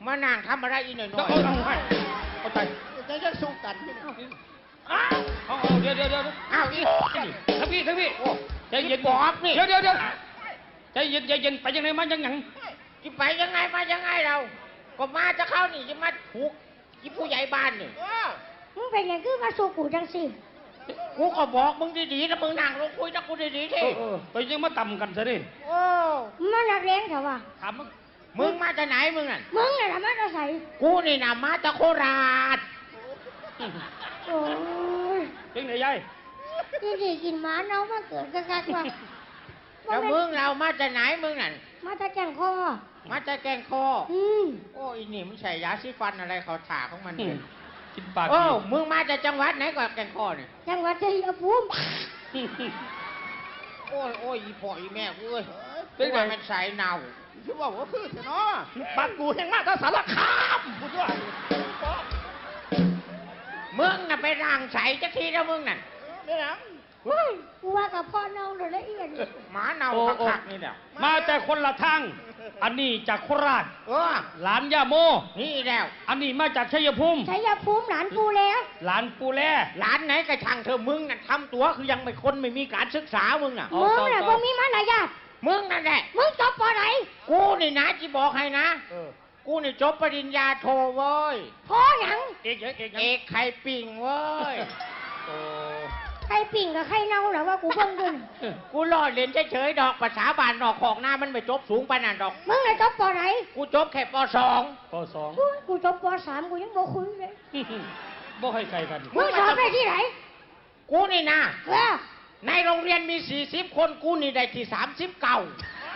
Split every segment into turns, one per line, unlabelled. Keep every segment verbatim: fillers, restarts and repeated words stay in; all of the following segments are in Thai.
มานั่งทำอะไรอีหน่อยหน่อย
เอาไปเอาไป
จะจะสู้กันพี่น้อง
อ้าว
เอาเดี๋ยวเดี๋ยวเดี๋ยว
อ้าวอี
ทั้งพี่ทั้งพี่ใจเย็น
บอกนี่
เดี๋ยวเดี๋ยวเดี๋ยวใจเย็นใจเย็นไปยังไงมายังไง
จะไปยังไงมายังไงเรา ก็มาจะเข้านี่จะมาถูกที่ผู้ใหญ่บ้านนี่
มึงเป็นยังคือมาสู่กูจังสิ
กูก็บอกมึงดีๆแล้วมึงนั่งลงคุยกับกูดีๆที
ไปยังมาต่ำกันซะดิ
โอ้
มันนักเรียนเถอะวะ
ถามมึง
มึงมาจากไหนมึงน่ะ
มึงน่ะทำไมจะใส่
กูนี่นะมาจากโคราช
โอ้ย
เพ่งไหนยาย
ที่ดีกินหมาเน่ามาเกิดกันกันว่ะ
แล้วมึงเรามาจากไหนมึงน่ะ
มาตะแกงคอ
มาจากแกงคอ
อืม
โอ้อีนี่มันใส่ยาซีฟันอะไรเขาถาของมันเนี่ย
กินปาก
โอ้มึงมาจากจังหวัดไหนก่อนแกงคอเนี่ย
จังหวัดชัยภูมิ
โอ้ยโอ้ยอีพ่ออีแม่กูเอ้ย
เป็นไง
ว่ามันใส่เน่า
คือว่าว่าคือเนาะบ้านกูแห่งมากถ้าสารคามพูดว่า
มึงน่ะไปร่างใส่จักทีแล้วมึงน่ะ
ไม่หยัง
เฮ้ยกูว่ากับพ่อเน่าเลยละเอียด
หมาเน่าคักๆนี่แหละ
มาแต่คนละทางอันนี้จากโคราช
เออ
หลานย่าโม
นี่แล้ว
อันนี้มาจากชัยภูมิ
ชัยภูมิหลานกูแล้ว
หลานปูแล
หลานไหนกระช่างเธอมึงน่ะทำตัวคือยังไม่คนไม่มีการศึกษามึงน่ะ
เอา
มึง
ต่อ
น่ะ
ต่
บ่
อ
มีมารยาท
มึงนั่นแหละ
มึงจบปอไหน
กูนี่นะจีบอกให้นะ
เออ
กูนี่จบปริญญาโทเว้ย
พอหยัง
เอกยังเอกยัง
เอกไข่ปิ่งเว้ย
โอ้
ใครปิ่งกับใครเน่าเหรอว่ากูเบิ่งด้วย
กูรอเรียนเฉยๆดอกภาษาบานดอกของหน้ามันไม่จบสูงปานนั้นดอก
มึงน่ะจบปอไหน
กูจบแค่ปสอง
ปสอง
อุ๊ยกูจบปสามกูยังบ่คุยเลย
บ่ให้ไกลกัน
มึงสอบได้ที่ไหน
กูนี่นะ
เออ
ในโรงเรียนมีสี่สิบคนกูนี่ได้ที่สามสิบเก้าก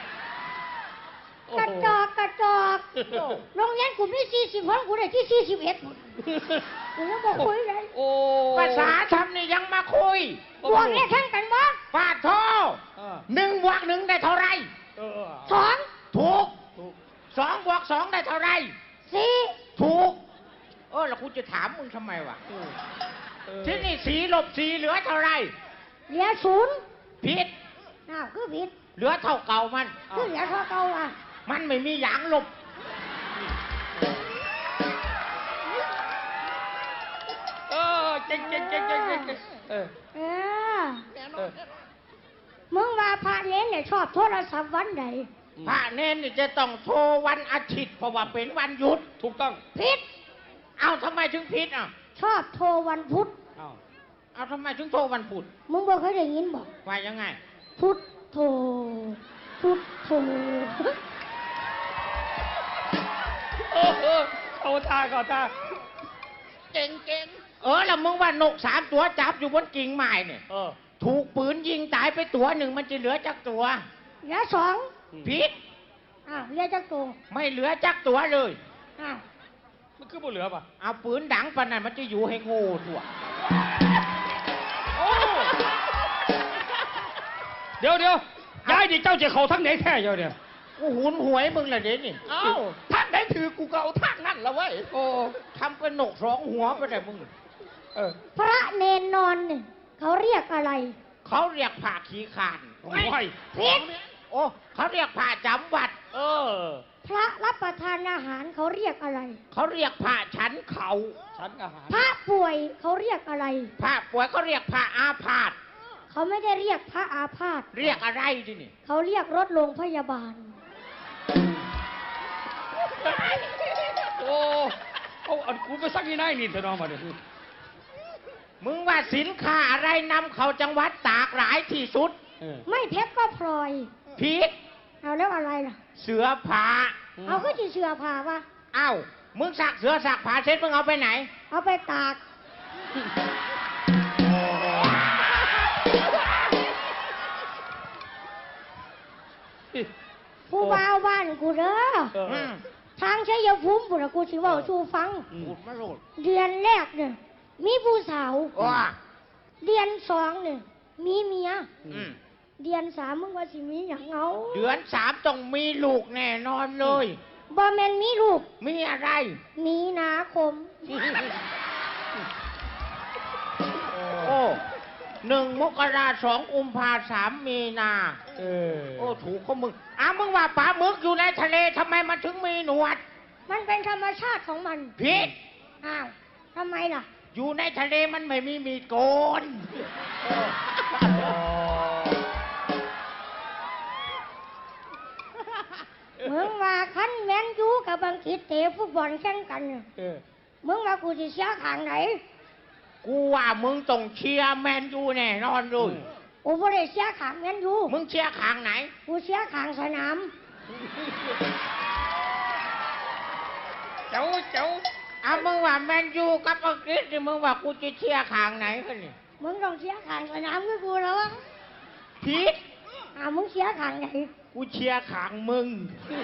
ระจอกกระจอกโรงเรียนกูมีสี่สิบคนกูได้ที่สี่สิบเอ็ดกูยังบ่คุยเลย
โอ้
ภาษาทำนี่ยังมาคุย
บวกเลขแข่งกันบ่
ปาดโทหนึ่งบวกหนึ่งได้เท่าไร
เออ
สอง
ถูก
ถูก
สองบวกสองได้เท่าไร
สี่
ถูกเออแล้วกูจะถามมึงทำไมวะ
เออ
ที่นี่สีลบสีเหลือเท่าไร
เหลือศูนย์
ผิด
อ้าวคือผิด
เหลือเท่าเก่ามัน
คือเหลือเท่าเก่าอ่ะ
มันไม่มีหยางลบ
เออเก่งเก่งเก่งเก่งเก่งเก่งเออ
เออ
แน่น
เอ
อน
อ
มึงว่าพระเน้นเนี่ยชอบโทรศัพท์วันใด
พระเนนนี่จะต้องโทรวันอาทิตย์เพราะว่าเป็นวันหยุด
ถูกต้อง
ผิด
เอาทำไมถึงผิดอ่ะ
ชอบโทรวันพุธ
อ้าว
เอาทำไมถึงโทรวันพุธ
มึงบ่เคยได้ยินบอก
ว่ายังไง
พุธโทรพุธโทร
เออเออเอาตาก่อนตา
เก่งเก่ง
เออแล้วมึงว่านกสามตัวจับอยู่บนกิ่งไม้เนี่ย
เออ
ถูกปืนยิงตายไปตัวหนึ่งมันจะเหลือจักตัว
เหลือสอง
ผิด
อ้าวเหลือจักตัว
ไม่เหลือจักตัวเลย
อ้าว
มันคือบ่เหลือป่ะ
เอาปืนดังปานนั้นมันจะอยู่ให้โง่ตัว
เดี๋ยวเดี๋ยวยายดิเจ้าจะเข้าทั้งไหนแท้เจ้าเนี่ย
กูหุนหวยมึงละเดี๋ยวนี่
เอ้าทางไหนถือกูก็เอาทางนั่นละเว้ย
โอ้ทำเป็นนกสองหัวไปเลยมึง
เออ
พระเนนนอนเนี่ยเขาเรียกอะไร
เขาเรียกผ่าขี้ขาน
โอ้ย
ผิด
โอ้เขาเรียกผ่าจำวัด
เออ
พระรับประทานอาหารเขาเรียกอะไร
เขาเรียกผ่าฉันเขา
ชั้นอาหาร
พระป่วยเขาเรียกอะไร
ผ่าป่วยเขาเรียกผ่าอาพาธ
เขาไม่ได้เรียกพระอาพาธ
เรียกอะไรที่นี่
เขาเรียกรถโรงพยาบาล
โอ้เอาอันกูไปสักนี่นายนี่เถอะน้องมาเดี๋ยว
มึงว่าสินค้าอะไรนำเข้าจังหวัดตากหลายที่สุด
เออ
ไม่เพชรก็พลอย
ผิด
เอาแล้วอะไรล่ะ
เสือผ้า
เอาก็จะเชื่อพาวะ
เอ้ามึงสักเสือสักผ้าเสร็จมึงเอาไปไหน
เอาไปตาก ผู้บ่าวบ้านกูเด้อ
เออ
อืม
ทางชัยภูมิบุตรกูสิเว่าชูฟัง
อืม
พูดมาโลด
เดือนแรกเนี่ยมีผู้สาว
ว่า
เดือนสองเนี่ยมีเมีย
อืม
เดือนสามมึงว่าสิมีอย่างเอา
เดือนสามต้องมีลูกแน่นอนเลย
บอแมนมีลูก
มีอะไร
มีนาคม
โอ้หนึ่งมกราสองกุมภาสามมีนา
เออ
โอ้ถูกข้อมึงอ้าวมึงว่าปลาหมึกอยู่ในทะเลทำไมมันถึงมีหนวด
มมันเป็นธรรมชาติของมัน
ผิด
อ้าวทำไมล่ะ
อยู่ในทะเลมันไม่มีมีดโกน
มึงว่าคันแมนยูกับบางคิดเตะฟุตบอลแข่งกันเนี่ย
เออ
มึงว่ากูจะเสียขางไหน
กูว่ามึงต้องเชียร์แมนยูแน่นอนเลย
กูไม่ได้เสียขางแมนยู
มึงเชียร์ขางไหน
กูเสียขางสนาม
เจ้าเจ้า
เอามึงว่าแมนยูกับอังกฤษนี่มึงว่ากูจะเชียร์ขางไหนกันนี่
มึงต้องเสียขางสนามกับกูแล้ววะ
ผิด
อ้าวมึงเสียขางไหน
กูเชียร์ขางมึง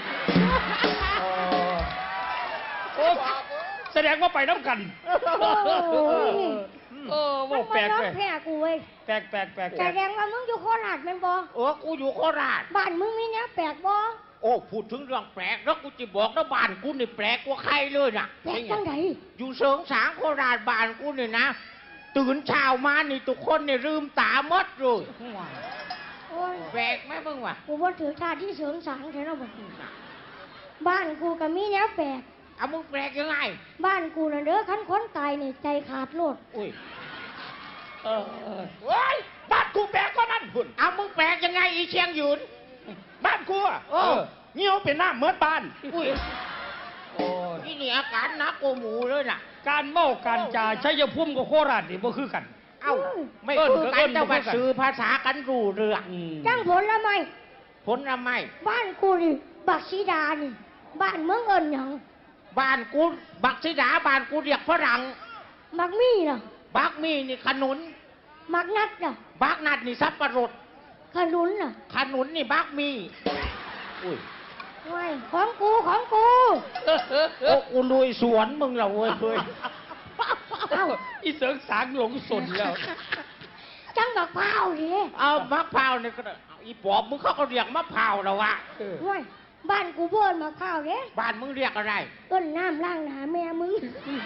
โอ้แสดงว่าไปน้ำกัน
โอ้ย
เออ
มั
ว่าน แปล
มาก ยอ
ไป
มแพ้กูเว้ย
แปลกแปลกแปลก
แสดงว่ามึงอยู่โคราชแมันบ่
เออกูอยู่โคราช
บ้านมึงมีเนี้ยแปลกบ่
โอ้พูดถึงเรื่องแปลกแล้วกูจะบอกนะบ้านกูนี่แปลกกว่าใครเลยน่ะ
แปลกจังได
อยู่เสริงสางโคราชบ้านกูนี่นะ ตื่นเช้ามานี่ทุกคนเนี่ยลืมตาหมดเลย
โอ้ย
แปลกไหมมึงวะ
กูว่าถือท่าที่เสริมสางแท้แล้วบ่บ้านกูก็มีเนี้ยแปลก
เอามึงแปลกยังไง
บ้านกูน่ะเด้อคันคนตายนี่ใจขาดโลด
อุ้ย
เออเออ
เฮ้ยบ้านกูแปลกกว่านั้นพุ่น
เอามึงแปลกยังไงอีเชียงหยุน
บ้านกูอะ
โอ้
เออเงี้ยวเป็นหน้าเหมือนบ้าน
อุ้ย
โอ้ย
นี่นี่อาการหนักกว่าหมูเลยน่ะ
การเมาการจ่าชัยภูมิกับโคราชนี่บ่คือกัน
เอ้าไม่
เอิ้น
คือ
ก็เอิ้
กัน
น
แต่
บ่คือ
ว่า
กัน
สื่อภาษากันรู้เรื่อง
อืม
จังผลละไม่
ผลไม้
บ้านกูนี่บักสีดานี่ บ้านเมืองเอิญหยัง
บ้านกูบักซิดาบ้านกูเรียกฝรั่ง
มักมีน่ะ
บักมีนี่ขนุน
มักนัดน่ะ
บักนัดนี่สับปะรด
ขนุนน่ะ
ขนุนนี่บักมีอุ้ย
ไว้ของกูของกู
โอ้กูลุยสวนมึงเหรอเว้ยเว้ย
เอ้า
อีเสริงสางหลงสนแล้ว
จังบักพร้าวดิ
เอามะพร้าวนี่ก็ได้เอาอีปอบมึงเขาก็เรียกมะพร้าวแล้ววะ
เออ
ไว้บ้านกูเบิ่นมะพร้าวเด้
บ้านมึงเรียกอะไร
ต้นน้ำล้างหน้าแม่มึง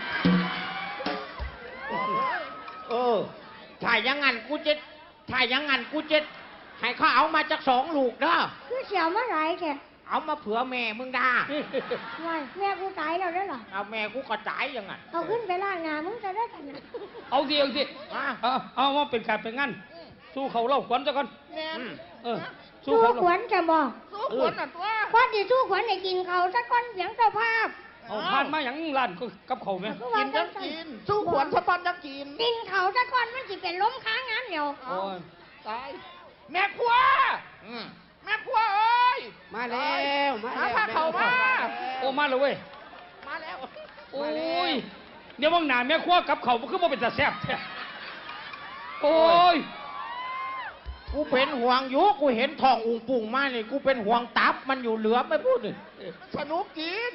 เออถ้าอย่างงั้นกูจะถ้าอย่างงั้นกูจะให้เขาเอามาจากสองลูกเด้อ
คือเสียวมาหลายแก
เอามาเผื่อแม่มึงด่า
ไว้แม่กูตายแล้วเด้อเหรอ
เอาแม่กูก็จ่ายอยังไง
เอาขึ้นไปล้างหน้ามึงจะได้กันนะ
เอาสิเอาสิ
อ่ะ
เอาเอาว่าเป็นการเป็นงั้นสู้เขาเล่าขวัญซะก่อน
อืม
เออ สู้
สู้
เขา
ขวัญจะบอก
สู้ขวนน่ะตัว
พอดีสู้ขวัญได้กินเขาวสักก้อนเสียงเจ้าภาพ
เอาผ่านมาอย่างร้านก็กับเขาไหม
คือว่า
กินยังกิน สู้ขวนสะตอนยังกิน
กินเขาวสักก้อนมันสิเป็นล้มค้างงานเดียว
โอ้ย
ตาย แม่ครัว
อืม
แม่ครัวเอ้ย
มาแล้วมา
หา
แล้ว
ผ้าเขาวมา
โอ้มาเลยเว้ย
มาแล้ว
โอ้ยเดี๋ยวว่างหนาแม่ครัวกับเขามันคือบ่เป็นตาแซ่บแท้โอ้ย
กูเป็นห่วงอยู่กูเห็นทองอุงปุ่งมานี่กูเป็นห่วงตับมันอยู่เหลือไม่พูดเลย
สนุกกิน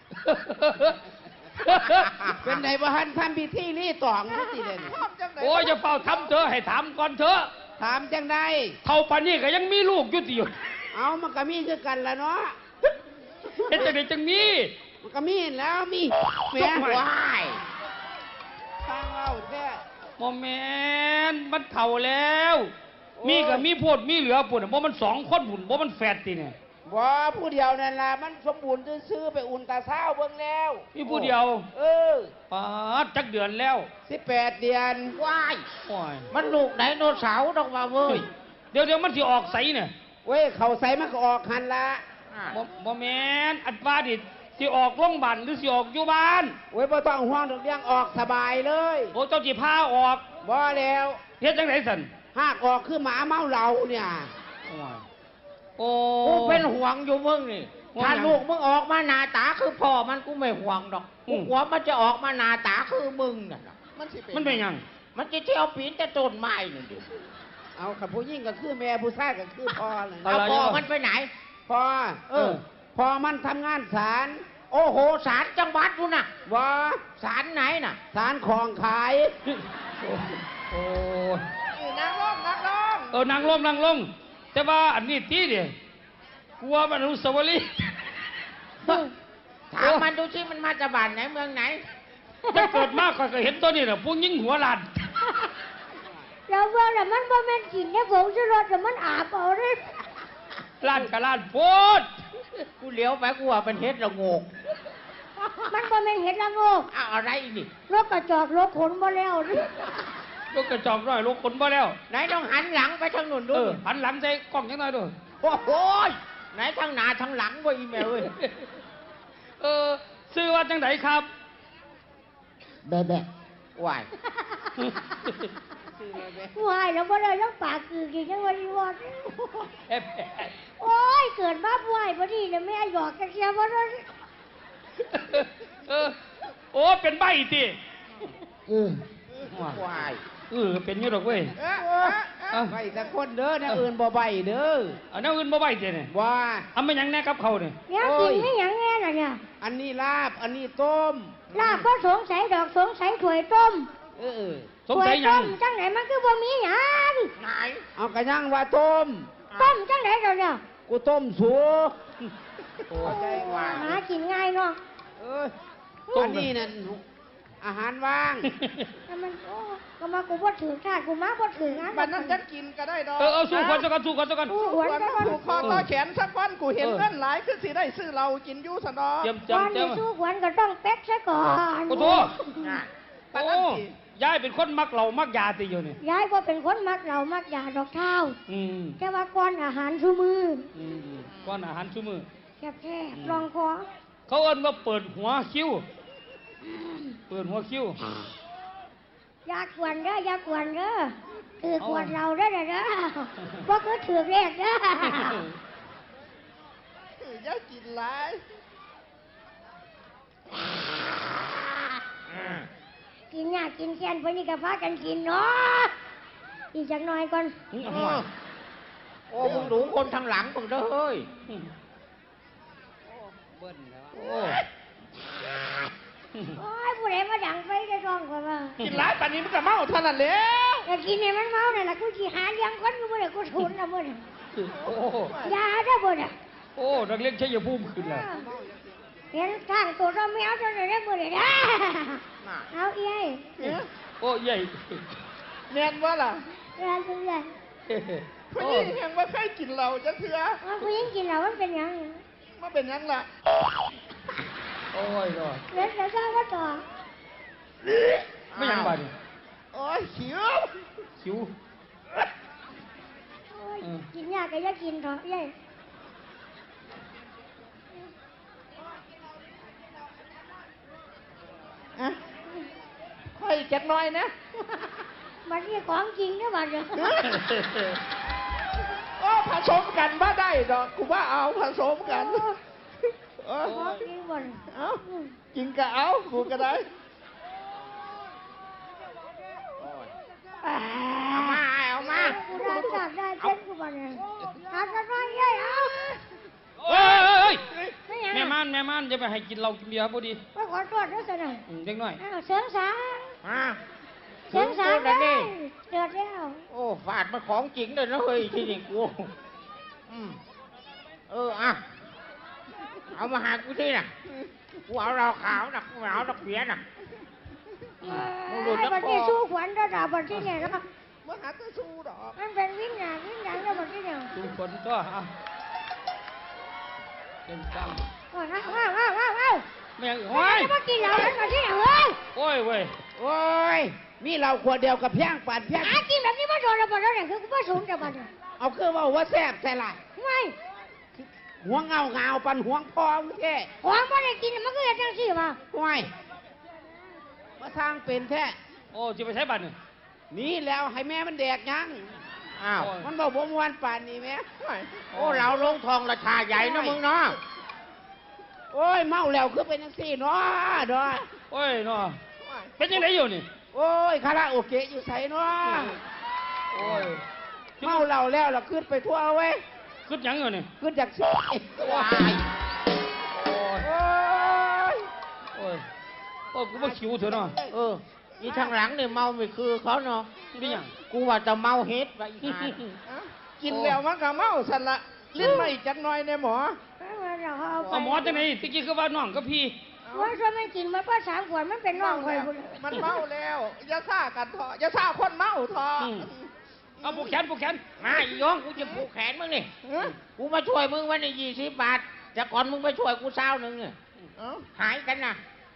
เป็นไงบ้านทำพิธีรีตองนี่สิเด่น
ชอบจังไหน
โอ้ยอย่าเป่าทำเธอะให้ถามก่อนเถอะ
ถามจังได้
เท่าปานนี้ก็ยังมีลูกอยู่ติอยู่
เอามันก็มีคือกันละเนาะ
เฮ็ดจังไดจังมี
มันก็มีแล้วมีแหม่
จกว้าย
ทางเอาแท้
โมแมนมันเท่าแล้ว มีก็มีโพดมีเหลือปุ่นบ่มันสองคนปุ่นบ่มันแฝดติเนี่ย
บ่ผู้เดียวนั่นล่ะมันสมบูรณ์ซื่อๆไปอุ่นตาเศร้าเบิ่งแล้ว
มีผู้เดียว
เออ
ปาดจักเดือนแล้ว
สิบแปดเดือน
ว้าย
โอ้ย
มันลูกไดโนเสาร์ดอกว่าเว้ย
เดี๋ยวเดี๋ยวมันสิออกใสเนี่ย
เว้ยเขาใส่มันก็ออกหันละ
อ่ะ
บ่บ่แมนอัดว่าดิสิออกโรงพยาบาลหรือสิออกอยู่บ้าน
เว้ยบ่ต้องห่วงดอกเลี้ยงออกสบายเลย
โอ้เจ้าสิพาออก
บ่แล้ว
เฮ็ดจังไดสั่น
หากออกคือหมาเมาเหล้าเนี่ย
โอ้ยโอ้
กูเป็นห่วงอยู่มึงนี่
ห่วง
ถ้า
หยัง
ลูกมึงออกมาหน้าตาคือพ่อมันกูไม่ห่วงดอก
อื
กู
ม
กลัวมันจะออกมาหน้าตาคือมึงน่ะนะ
มันสิ
มันเป็นหยัง
มันจะเที่ยวปีนแต่ต้นไม้นี่ดิ
เอาขับผู้ยิ่งก็คือแม่ผู้ชายก็คือพ่อเลย
เอาพ่อมันไปไหน
พ่อ
เออ
พ่อมันทำงานศาล
โอ้โหศาลจังหวัดดูน่ะ
ว่า
ศาลไหนน่ะ
ศาลของขาย
โอ้ย
นี่นางลงนางลง
เออนางลงนางลง แต่ว่าอันนี้ตีเดียกลัวมันอนุสาวรีย์
ถามมันดูสิมันมาจากบ้านไหนเมืองไหน
มันเกิดมากก็เห็นตัวนี้น่ะพวกยิงหัวลาน
เราเบิ่งแล้วมันบ่แม่นกินเนี่ยผงชูรสแต่มันอาบเอาเด้
ลานกับลานโพด
กูเลี้ยวไปกูว่าเป็นเฮ็ดระโงก
แม่นเห็ดละโงก
เอาอะไรนี่
รถกระจอกรถขนบ่แล้วนี่
ลูกกระจอกน้อยลูกคนบ่แล้ว
ไหนต้องหันหลังไปทางนู้น
เอ
ด้วย
อหันหลังใส่กล้องจังหน่อยด้วย
โอ้โหยไหนทางหน้าทางหลังบ่อีแมวเอ้ย
เออซื้อว่าจังไดครับ
แบะแบะวาย
วายแล้วบ่ได้แล้วปากคือกินจังว่าอีวอด
เอ๊ะ
โอ้ยเกิดมาป่วยบ่ดีเนี่ยแม่หยอกกันเสียบ่ได้
เออโอ้เป็นใบติ
เออวาย
เออเป็นอยู่ดอกเว้ย
เออเออเออไปสักคนเด้อนะอื่นบ่ใบเด้อ
อันนั้นอื่นบ่ใบติเนี่ย
ว่า
ทำไม่ยังแน่กับเขาเนี่ย
เนี่ยกินไม่หยังแน่น่ะเนี่ย
อันนี้ลาบ อันนี้ต้ม
ลาบก็สงสัยดอกสงสัยถ้วยต้ม
เออเออ
สงสัย
ถ้ว
ยั
ต้
ง
มจังไหนมันคือบ่มีหยัง
ไหน
เอากระย่างว่าต้ม
ต้มจังไหนเดี๋ยวเนี่ย
กูต้มสู
โอ้ใจวาย
หากินง่ายเนาะ
เอออันนี้นั่นอาหารว่าง
แต่มันโอ้ก็มากูบ่ถือชาติกูมาบ่ถืองาน
บัดนั้นจะกินก็ได้ดอก
เออเอาสู้คนสักกันสู้คนสักกัน
กูหวน
วัน
ก็
นั้น
บ่
ผูกคอต่อแขนสักวันกูเห็น
เออ
เงินหลายคือสิได้ซื้อเรากินอยู่สนอ
เตรียม
ก่อน
จำเตรีย
ที่
ม
สู้หวนก็ต้องเป๊กซะก่อน
โอ้โห
น่ะ
บัด
โอ้
นั้นสิ
ยายเป็นคนมักเหล่ามักยาติอยู่เนี่ย
ยายบ่เป็นคนมักเหล้ามักยาดอกเท้า
อืม
แต่ว่าก่อนอาหารซุมือ
อืมก้อนอาหารชุ่มือ
แซ่บๆลองคอ
เขาเอิ้นว่าเปิดหัวคิ้ว เปิดหัวคิ้ว
อย่ากวนเด้ออย่ากวนเด้อถือกวนเราเด้อเด้อเด้อบ่คือถือกเลขเด้อ
อย่ากินหลาย
กินยากกินแค้นพวกนี้ก็พากันกินเนาะอีกจักหน่อยก่อน
อืม
โอ้โอ้มึงดูคนทางหลังมึงเด้อเฮ้ย
เบิ้ลแล้ว
โอ้
โอ้ยผู้ใดมาดังไฟได้ท้องก่อนว่า
กินหลายปานนี้มันก็เมาเท่านั้นแหล้ว
แต่กินให้มันเมาเนี่ยล่ะกูสิหาเลี้ยงคนกูบ่ได้กูทุนนะมื้อนี้
โอ้
ยาเด้อบ่น่ะ
โอ้นักเรียนชัยภูมิขึ้นแล้ว
เห็นทางตัวเราแมวตัวนี้ได้มื้อนี้นะ
น่ะ
เอาเอ้ย
โอ้ใหญ่
แม่นว่าล่ะ
เอ้ยเอ้ย
ผู้หญิงยังไม่เคยกินเราจะเถื่อ
ว่าผู้หญิงกินแล้วมันเป็นหยัง
มาเป็นหยังล่ะ
โอ้ยก็
เดี๋ยวจะทราบว่าต่อ
ไม่ยังบาดนี่
โอ้ยหิว
คิ้ว
โอ้ย
อืม
กินยากก็อย่ากินเถอะเอ้ย
อะค่อยจักหน่อยนะ
มันนี่ของจริงเด้อบัดเนี่ย
โอ้ผสมกันว่าได้ดอกกูว่าเอาผสมกันเออ
ของจริงบ่น
เอากินก็เอากูก็ได้
เอามาเอามา
กูได้จากได้เจ็ดกูบ่เนี่ยหาสักหน่อยเอ้ยเอา
เอ้ย
ไม่หยัง
แม่ม่านแม่ม่านจะไปให้กินเหล้ากินเบียร์พอดี
ไปขอโทษด้วยสินะ
อืมเด็กน้อย
อ้าวเสียงสาง
มา
เสียงสาง
ถึง
เล
กู
ย
แล้วนี่
เดือดแล้ว
โอ้ฟาดมันของจริงเลยนะเฮ้ยที่นี่กูอืมเอออ่ะเอามาหากูที่น่ะกูเอาเราขาวน่ะกูเอาดอกเบี้ยน่ะ มึงหลุดแล้ว
บัดนี้สู้ขวัญระดับบัดที่เนี่ยแล้ว
มาหาตะสู้ดอก
มันเป็นวิญญาณวิญญาณแล้วบัดที่เนี่ย
ดูคนก็อ่ะเต็มจัง
ว้าวว้าวว้าวว้าวว้าว
แม่ง
โอ้
โอ้
ย
ย
มากินเหล้ากันบัดที่เนี่ยเฮ้ย
โอ้ยเว้ย
โอ้ย มีเราขวดเดียวกับเพียงปานเพียง
หากินแบบนี้มาโดนระเบิดแล้วเนี่ยคือกูว่าสูงแต่บัดเนี่ย
เอาคือว่าว่าแซ่บแต่ละ
ไม่
หัวเงาเงาปันหัวพองแท้
ของบ่ได้กินมันก็จะจังซี่ว่ะ
ห่วยมาทางเป็นแท้
โอ้จะไปใช้บัตรเนี่ย
นี่แล้วให้แม่มันแดกยัง
อ้าว
มันบอกบ่มวนป่านนี้แม่
ห่วย
โอ้เราลงทองราชาใหญ่นะมึงเนาะ
โอ้ยเมาแล้วคือเป็นจังซี่เนาะเนาะ
โอ้ยเนาะ
ห่วย
เป็นยังไงอยู่นี่
โอ้ยคาราโอเกะอยู่ไสเนาะ
โอ้ย
เมาเหล้าแล้วเราขึ้นไปทั่วเว้ย
ขึ้นยังอยู่นี่
ขึ้นจากซี่
ว้าย
โอ้ย
โอ้ย
โอ้ยโอ้ยกูว่าคิวเถอะเนาะ
เอออีทางหลังเนี่ยเมาไม่คือเขาเนาะ
นี่ยัง
กูว่าจะเมาเฮ็ดไปอีกหา
อะกินแล้วมันก็เมาสันละลิ้นไม่จักหน่อยในหมอ
เราเอาไป
เอาหมอจังไหนตะกี้คือว่าน้องกับพี่
ว่าช่วยมันกินมาป้าสามขวดมันเป็นน้องคอย
แล้ว
บุญ
มันเมาแล้วอย่าซ่ากันเถอะอย่าซ่าคนเมาเถอะ
อืมเอาผูกแขนผูกแขน
มาอีย้องกูจะผูกแขนมึงนี่
เอ้อ
กูมาช่วยมึงวันนี้ยี่สิบบาทแต่ก่อนมึงไปช่วยกูเช้าหนึ่งเนี่ย
เอ้า
หายกันนะ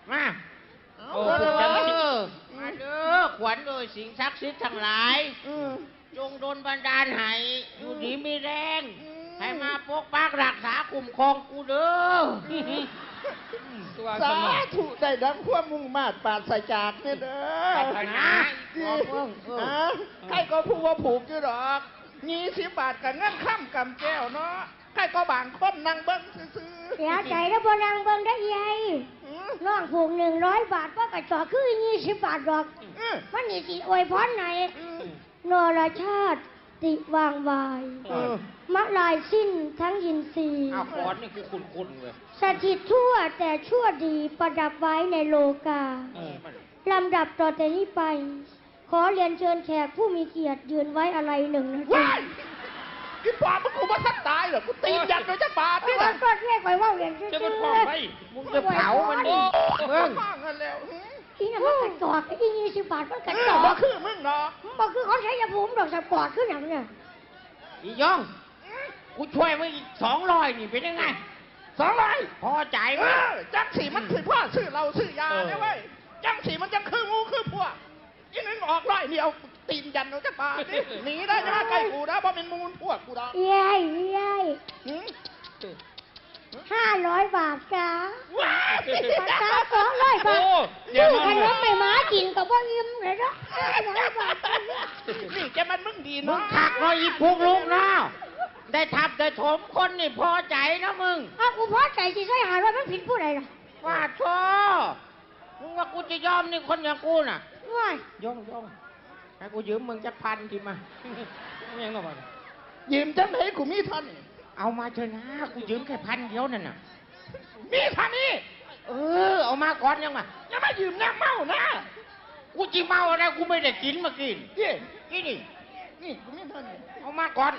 มา
เอา
โอ้
เด้อ
เอ
เด้อ
อมาเด้อขวัญโดยสิ่งศักดิ์สิทธิ์ทั้งหลาย
อืม
จงโดนบันดาลให้อยู่ดีมีแรง
อืม
ให้มาปกปักรักษาคุ้มครองกูเด้อ
ตัว
สา
สนอ
ธุได้ดังความมุ่งมาตรปราศจากเนี่ยเด้อ
ปรารถนาขอเพิ่งเออ
ฮะใครก็พูดว่าผูกอยู่ดอกยี่สิบบาทกับเงินข้ามกำแก้วเนาะใครก็บางคนนั่งเบิ้งซื้อ
เสียใจแล้วบนางเบิ่งได้ยัย
ๆอืม
น้องผูกหนึ่งร้อยบาทว่ากระจอกคือยี่สิบบาทดอก
อืม
มันนี่สิอวยพรไหน
อืม
นรชาติติวางวาย
เออ
มะลายสิ้นทั้งยินทรีย์
เอาขอนนี่คือคุณคุณเว้ย
สถิตทั่วแต่ชั่วดีประดับไว้ในโลกา
เออ
ลำดับต่อแต่นี้ไป ขอเรียนเชิญแขกผู้มีเกียรติยืนไว้อะไรหนึ่งนาที
ว้ายกินปลามึงกูมาทักตายเหรอกูตีนยันโดยจะบาท
นี่
นี่
แห
แห
ละ
ละ
ก็เรียกไว้ว่าเรียนเชิญ
จะมันพร้อมไป
มึงจะเผามันดิ
เมื
เบิ่
อง
ง
ข้างกันแล้วอืม
อีน่ะมันกระจอกอียี่สิบบาทมันกระ
เอ
จ
อ
อก
บ่คือมึงเนาะ
มันบอกคือเขาใช้ยาภูมิดอกสปอร์ตขึ้นอย่างเนี่ย
อีย่อง กูช่วยมึงอีกสองร้อยนี่เป็นยังไง
สองร้อย
พอใจ
เอ
ไหม
อจังสีมันถือว่าซื้อเราซื้อยาเนี่ยเว้ยจังสีมันจังคืองูคือพวกอีนึงออกร้อยเดียวตีนยันโดยจะบาทนี่หนีได้จะมาใกล้กูนะเพราะเป็นมูลพวกกูดอก
เย้ยเย้ย
หืม
ห้าร้อยบาทจ้า
ว้าว
ปากกาสองร้อยบาท
โอ้เดี๋ยว
ซื้อ
มัน
ขนมไม่หมากินกับว่าอิ่มเลยนะห้าร้อยบาท
นี่แกมันมึงดี
มึ
เนาะ
งขักเราอีกพวกลูกนะได้ทับได้ถมคนนี่พอใจนะมึง
อ้าวกูพอใจสิใช่หาว่ามันผิดผู้ใดล่ะ
ว่าโธ่มึงว่ากูจะยอมนี่คนอย่างกูน่ะ
ว้าย
ย่องย่องให้กูยืมมึงจะพันทีมา
ไม่ยังต้องมา
ยืมจังไหนกูมีเท่านี้
เอามาเถอะนะ กูยืมแค่พันเดียวนั่นน่ะ
มีเท่านี้
เออ เอามาก่อนยังมา
อย่ามายืมน้ำเมานะ
กูจิเมาอะไรกูไม่ได้กินเมากิน
เย่
กินนี่
นี่กูมีเท่านี้
เอามาก่อน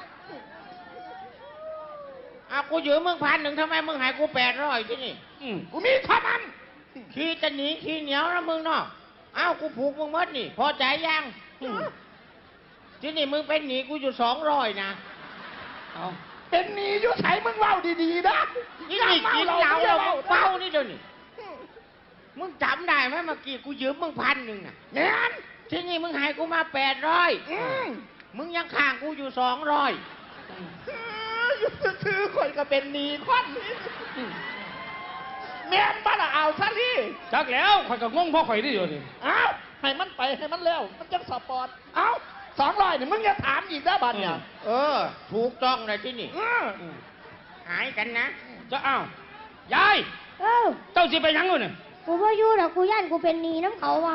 เอากูยืมมึงพันหนึ่งทำไมมึงใหายกูแปดร้อยที่นี่
อืม
กูมีเท่านั้น
ขี้จะหนีขี้เหนียวนะมึงเนาะเอากูผูกมึงหมดนี่ พอใจยังอืมที่นี่มึงเป็นหนีกูอยู่สองร้อยนะ
เอา
เป็นหนีอยู่ใส่มึงเล่าดีๆนะ
นี่นี่กินเหล้าเรามึงเป้า
นี่
นี่เดี๋ยวนี้มึงจำได้ไหมเมื่อกี้กูยืมมึงพันหนึ่งน่ะ
แน่น
ที่นี่มึงใหายกูมาแปดร้อย
อืม
มึงยังข้างกูอยู่สองร้อย
เอออยู่ซื้อๆคนก็เป็นหนีควันนี่
อืม
แม่นบ้าละเอาซะนี่
จักแล้วข่อยก็งงเพราะข่อยได้อยู่นี่
เอาให้มันไปให้มันแล้วมันจังสปอร์ตเอาสองร้อยนี่มึงอย่าถามอีกนะบัดเนี่ย
เออ ถูกต้องเลยที่นี่
เออ
อืม
หายกันนะ
จะอ้าว ยาย
เออ
เจ้าสิไปหยังอยู่เนี่ย
กูว่าอยู่ดอกกูย่านกูเป็นหนีน้ำเขาว่ะ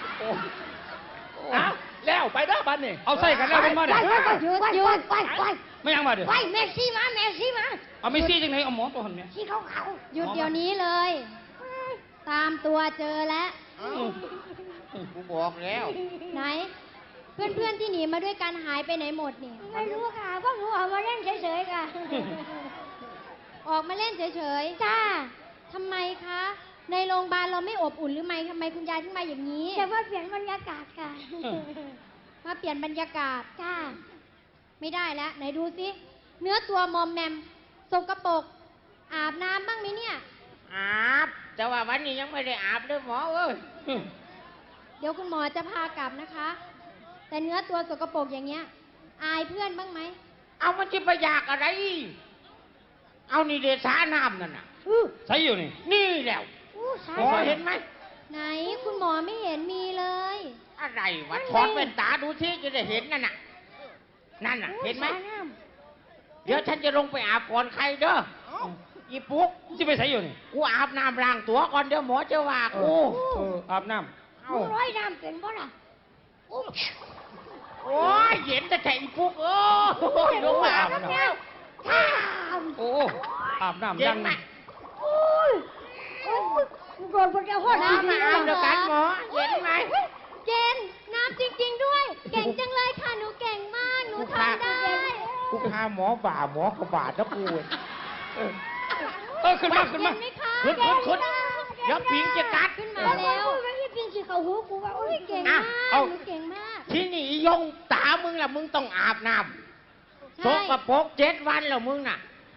เอาแล้วไปเด้อบัดนี่
เอาใส่กันแล้วเป็นมา
ไป
เนี่ย
ไปไปไปไปไปไป
ไม่ยังมาเดี๋ยว
ไปเมสซี่มาเมสซี่มา
เอาไม่ซี่จังไหนเอาหมอตัวหันเนี่ย
ที่เขาเขา
หยุดเดี๋ยวนี้เลย ตามตัวเจอแล้ว
เอ้ากูบอกแล้ว
ไหน เพื่อนๆที่หนีมาด้วยกันหายไปไหนหมดเนี่ย
ไม่รู้ค่ะพวกหนูออกมาเล่นเฉยๆค่ะ
ออกมาเล่นเฉย
จ้า
ๆทำไมคะ ในโรงพยาบาลเราไม่อบอุ่นหรือไม่ทำไมคุณยายถึงมาอย่างนี้
แต่ว่าเปลี่ยนบรรยากาศค่ะ
มาเปลี่ยนบรรยากาศ
จ้า
ไม่ได้แล้ว ไหนดูสิเนื้อตัวมอมแมมสกปรกอาบน้ำบ้างไหมเนี่ย
อาบ แต่ว่าวันนี้ยังไม่ได้อาบเลยหมอเอ้ย
อืม
เดี๋ยวคุณหมอจะพากลับนะคะ แต่เนื้อตัวสกปรกอย่างเงี้ย อายเพื่อนบ้างไหม
เอามันจะไปอยากอะไร เอานี่เดชาน้ำนั่นน่ะ
อู้
ใส่อยู่นี่
นี่แล้ว
อู้สา
หมอเห็นไหม
ไหนคุณหมอไม่เห็นมีเลย
อะไรวะถอดแว่นตาดูที่จะได้เห็นนั่นน่ะ นั่นน่ะ เห็นไหม
สาน้
เดี๋ยวฉันจะลงไปอาบก่อนใครเด้ออีปุ๊ก
จะไปใส่อยู่นี่
กูอาบน้ำล้างตัวก่อนเดี๋ยวหมอจะว่ากู
เอออาบน้
ำมึงร้อยน้ำเป็นบ่ล่ะอู้
โอ้ยเย็นแต่แข็งปุ๊กโอ้ยลงมาอาบน้ำ
ท่าม
ำโอ้อาบน้ำ
เย็
ยั
น
ง
ไหม
อุ้ยโอ้ยโดนพระเจ้าห้อ
น้ำ
น้ำ
มา
มา
อาบเดียวกันหมอเย็นไหม
เจนน้ำจริง ๆ ด้วย เก่งจังเลยค่ะ หนูเก่งมาก หนูทำได้
กูพาหมอบ่าหมอกระบาดนะกูเออ
เออขึ้นมาขึ้น
เย็
มา
นไหมคะ
ขึ้นขึ้นขึ้นเดี๋ยวพิงจะกัด
ขึ้น
มา
มา
แล้
แล้ว ว
ไม่ได้กินสิเขาหูกูว่าอุ้ยเก่ง
อ่ะ
มาก
เอา
หนูเก่งมาก
ที่นี่ยงตามึงล่ะมึงต้องอาบน้ำส
ใช่
กปรกเจ็ดวันแล้วมึงน่ะ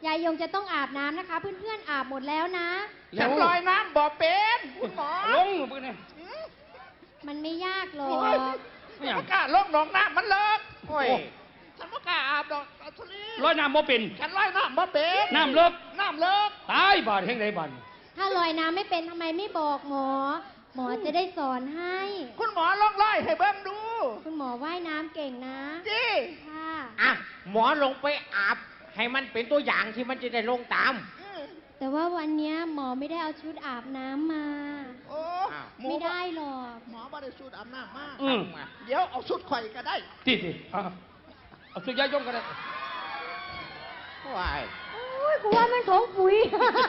ยายยงจะต้องอาบน้ำนะคะ เพื่อนๆอาบหมดแล้วนะ
ฉันลอยน้ำบ่เป็นคุณหมอ
ลงไปเนี่ย
มันไม่ยากหรอ
โอ้ย
ก
ไม่อยาก
ไม่กล้าลงหนองน้ำมันเลิก
โอ้ย
ฉันไม่กล้าอาบดอกอัศรี
ร้อยน้ำบ่เป็น
ฉันลอยน้ำบ่เป็น
น้ำเลิก
น้ำเลิก
ตายบาดแห่งใดบาด
ถ้าลอยน้ำไม่เป็นทำไมไม่บอกหมอ หมอจะได้สอนให้
คุณหมอลองไล่ให้เบิ้งดู
คุณหมอว่ายน้ำเก่งนะ
จี
ค่ะ
อ่ะหมอลงไปอาบ ให้มันเป็นตัวอย่างที่มันจะได้ลงตาม
แต่ว่าวันเนี้ยหมอไม่ได้เอาชุดอาบน้ำมา
โอ้
อ้าว
หมู
ไม่ได้หรอก
หมอบ่ได้สูดอาบน้ำมาก
อืม
เดี๋ยวเอาสุดข่อยก็ได้
ติดๆเอาเอาสุดยายยงกันเลย
ว้าย
โอ้ยกูว่ามันถงปุ๋ย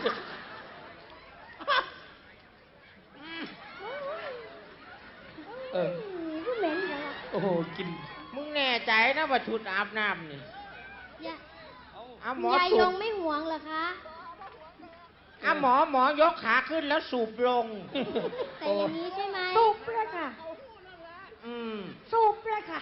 เออ
ก็เหม็นจังอะ
โอ้โหกิน
มึงแน่ใจนะว่าชุดอาบน้ำนี่
ยา
อ่ะหมอ
ยาย
สู
ย
บ
งไม่หวงเหรอคะ
อ่ะหมอหมอยกขาขึ้นแล้วสูบลง
แต่อย่างนี้ใช่ไหม
สูบเลยค่ะ
อืม
สูบเลยค่ะ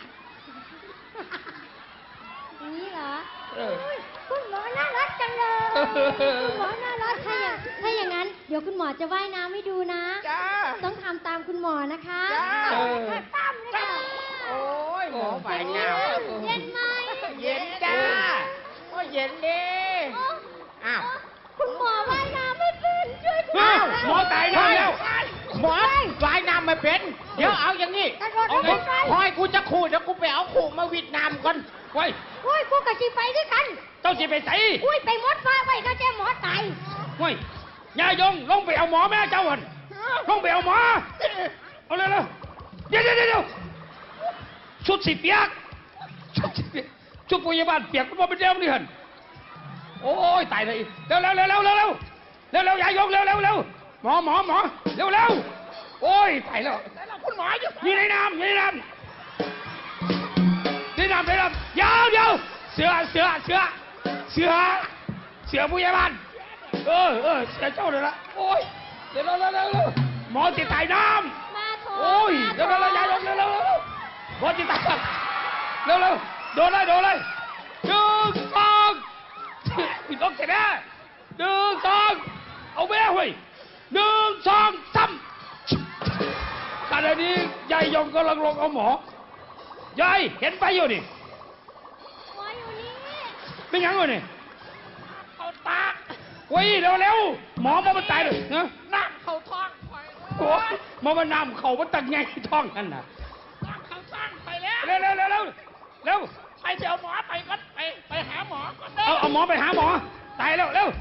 อย่างนี้เหรอ
เออ
อุ๊ยคุณหมอน่ารักจังเลย คุณหมอน่ารัก
ถ้าอย่างถ้าอย่างนั้น เดี๋ยวคุณหมอจะว่ายน้ำให้ดูนะ
จ้า
ต้องทำตามคุณหมอนะคะ
จ้า
เออ
ค่ะตั้มเลยค่ะ
โอ้ยหมอฝ่ายน้
เย็นไหม
ำเย็นจ้าโอ้ยเย็นดีอ้าว
คุณหมอว่ายน้ำไม่เป็นช่วยคุณ
อ้าวหมอตายแล้วแล้ว
หมอฝ่ายน้ำไม่เป็น เดี๋ยวเอาอย่างนี้
กระโดด
เอา
ลงไป
คอยกูจะขู่เดี๋ยวกูไปเอาขู่มาวิดน้ำก่อน
ไว้
โอ้ยกูกับชีไปด้วยกัน
เจ้าสิไปใส่
อุ้ยไปหมดฟ้าไว้ก็แจ้หมอตาย
ไว้ยายยงลงไปเอาหมอแม่เจ้าหันลงไปเอาหมอ เอาเร็วๆเดี๋ยวเดี๋ยวเดี๋ยวชุดสีเปียกชุดสีเปียกชุดพยาบาลเปียกมันเป็นเดียวนี่หันโอ้ยตายเลยเร็วเร็วเร็วเร็วเร็วเร็วเร็วเร็วยายยงเร็วเร็วเร็วหมอหมอหมอเร็วเร็วโอ้ยตายแล้ว
แต่เราคุณหมออยู่
นี่ในน้ำนี่ในน้ำนี่น้ำในน้ำเดี๋ยวเดี๋ยวเสือเสือเสือเสือเสือพยาบาลเออเออเสือเจ้าเลยละโอ้ยเร็วเร็วเร็วเร็วเร็วหมอติดตายน้ำ
มาโถ
โอ้ย
มา
เร็ว
โถ
เร็วเร็วยายลงเร็วเร็วเร็วเร็วบอลจิตตาเร็วเร็วโดนเลยโดนเลยหนึ่งสองพี่ต้องเสร็จแล้วหนึ่งสองเอาแม่เว้ยหนึ่งสองสามขณะนี้ยายยงกำลังลงเอาหมอยายเห็นไปอยู่นี่
หมออยู่นี่
เป็นยังไงนี่
เอาตาก
เว้ยเร็วเร็วหมอมามันตายเลยนะ
น้ำเข้าท้องข่อย
โอ้ยมามันน้ำเข่ามันตักไงท้องนั่นน่ะ
น้ำเข้าท้องไปแล้ว
เร็วเร็วเร็วเร็วเร็ว
ไปเดี๋ยวหมอไปก็ไปไปหาหมอก่อนเด้
เอาเอาหมอไปหาหมอ ตายแล้วเร็ว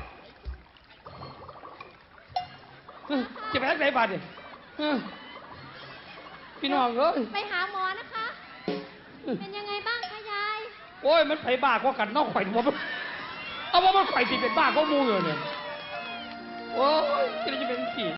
เฮ้ยจะไปทางไหนบาดเนี่ยเฮ้ยพี่น้องเอ้ย
ไปหาหมอนะคะ เป็นยังไงบ้างคะยาย
โอ้ยมันไปบ้ากว่ากันนอกข่อยหัวมันเอาว่ามันข่อยสิเป็นบ้าก็มูอยู่เนี่ยโอ้ยจะได้จะเป็นสี่